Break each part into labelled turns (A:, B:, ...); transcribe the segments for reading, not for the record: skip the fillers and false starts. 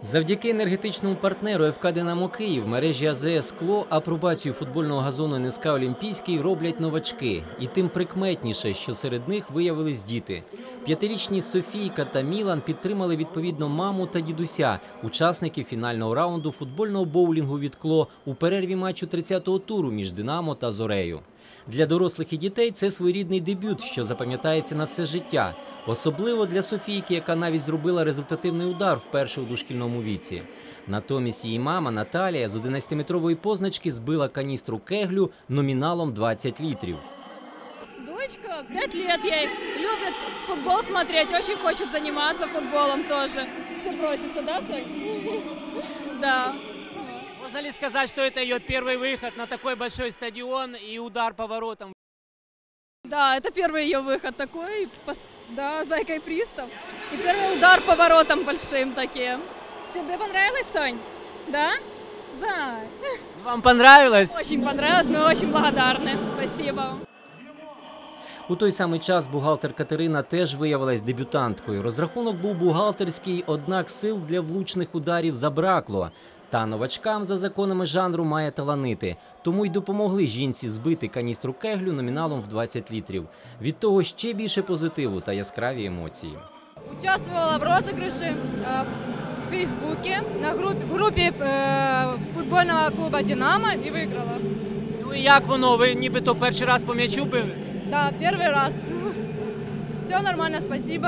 A: Завдяки енергетичному партнеру ФК «Динамо Київ» мережі АЗС «Скло» апробацію футбольного газону НСК «Олімпійський» роблять новачки. І тим прикметніше, що серед них виявились діти. 5-річні Софійка та Мілан підтримали відповідно маму та дідуся, учасників фінального раунду футбольного боулінгу від «Кло» у перерві матчу 30-го туру між «Динамо» та «Зорею». Для дорослих і дітей це своєрідний дебют, що запам'ятається на все життя. Особливо для Софійки, яка навіть зробила результативний удар вперше у дошкільному віці. Натомість її мама Наталія з 11-метрової позначки збила каністру кеглю номіналом 20 літрів.
B: Дочка, 5 лет ей, любит футбол смотреть, очень хочет заниматься футболом тоже. Все просится, да, Сонь? Да.
C: Можно ли сказать, что это ее первый выход на такой большой стадион и удар по воротам?
B: Да, это первый ее выход такой, да, зайкой пристав. И первый удар по воротам большим таким. Тебе понравилось, Сонь? Да? Зай.
C: Вам понравилось?
B: Очень понравилось, мы очень благодарны. Спасибо.
A: У той самий час бухгалтер Катерина теж виявилась дебютанткою. Розрахунок був бухгалтерський, однак сил для влучних ударів забракло. Та новачкам за законами жанру має таланити. Тому й допомогли жінці збити каністру кеглю номіналом в 20 літрів. Від того ще більше позитиву та яскраві емоції.
D: Участвувала в розіграші в Фейсбуці, в групі футбольного клубу «Динамо» і виграла.
C: Ну і як воно? Ви нібито перший раз по м'ячу били?
D: Да, перший раз. Все нормально, спасибо.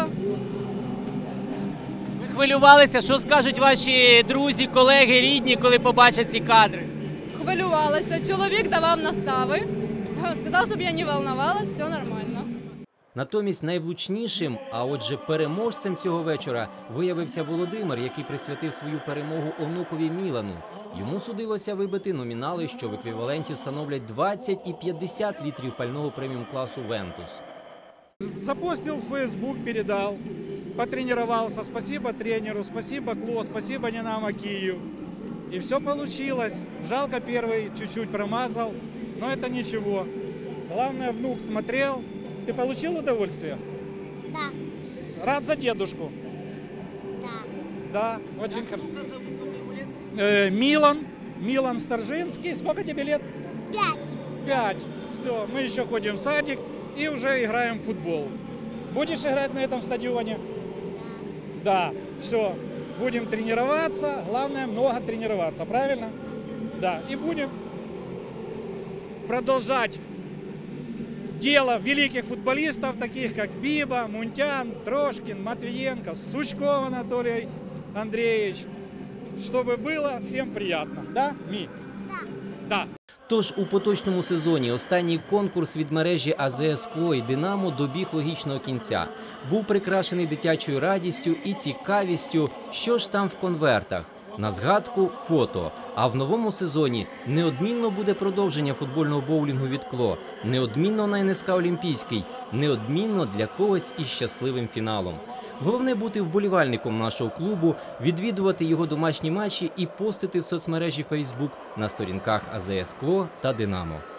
C: Ви хвилювалися? Що скажуть ваші друзі, колеги, рідні, коли побачать ці кадри?
D: Хвилювалася. Чоловік давав настави. Сказав, щоб я не волновалась, все нормально.
A: Натомість найвлучнішим, а отже переможцем цього вечора, виявився Володимир, який присвятив свою перемогу онукові Мілану. Йому судилося вибити номінали, що в еквіваленті становлять 20 і 50 літрів пального преміум-класу «Вентус».
E: Запостил в Facebook, передал, потренировался. Спасибо тренеру, спасибо «Кло», спасибо «Динамо Киев». И все получилось. Жалко, первый чуть-чуть промазал, но это ничего. Главное, внук смотрел. Ты получил удовольствие?
F: Да.
E: Рад за дедушку?
F: Да.
E: Да, очень хорошо. Милан Старжинский. Сколько тебе лет?
F: 5.
E: 5. Все, мы еще ходим в садик и уже играем в футбол. Будешь играть на этом стадионе? Да. Да, все. Будем тренироваться. Главное, много тренироваться, правильно? Да. И будем продолжать дело великих футболистов, таких как Биба, Мунтян, Трошкин, Матвиенко, Сучков Анатолий Андреевич, чтобы было всем приятно. Да, Ми?
F: Да.
E: Да.
A: Тож у поточному сезоні останній конкурс від мережі АЗС «Скло» і «Динамо» добіг логічного кінця. Був прикрашений дитячою радістю і цікавістю, що ж там в конвертах. На згадку – фото. А в новому сезоні неодмінно буде продовження футбольного боулінгу від «Кло», неодмінно на НСК «Олімпійський», неодмінно для когось із щасливим фіналом. Головне бути вболівальником нашого клубу, відвідувати його домашні матчі і постити в соцмережі Facebook на сторінках АЗС «Кло» та «Динамо».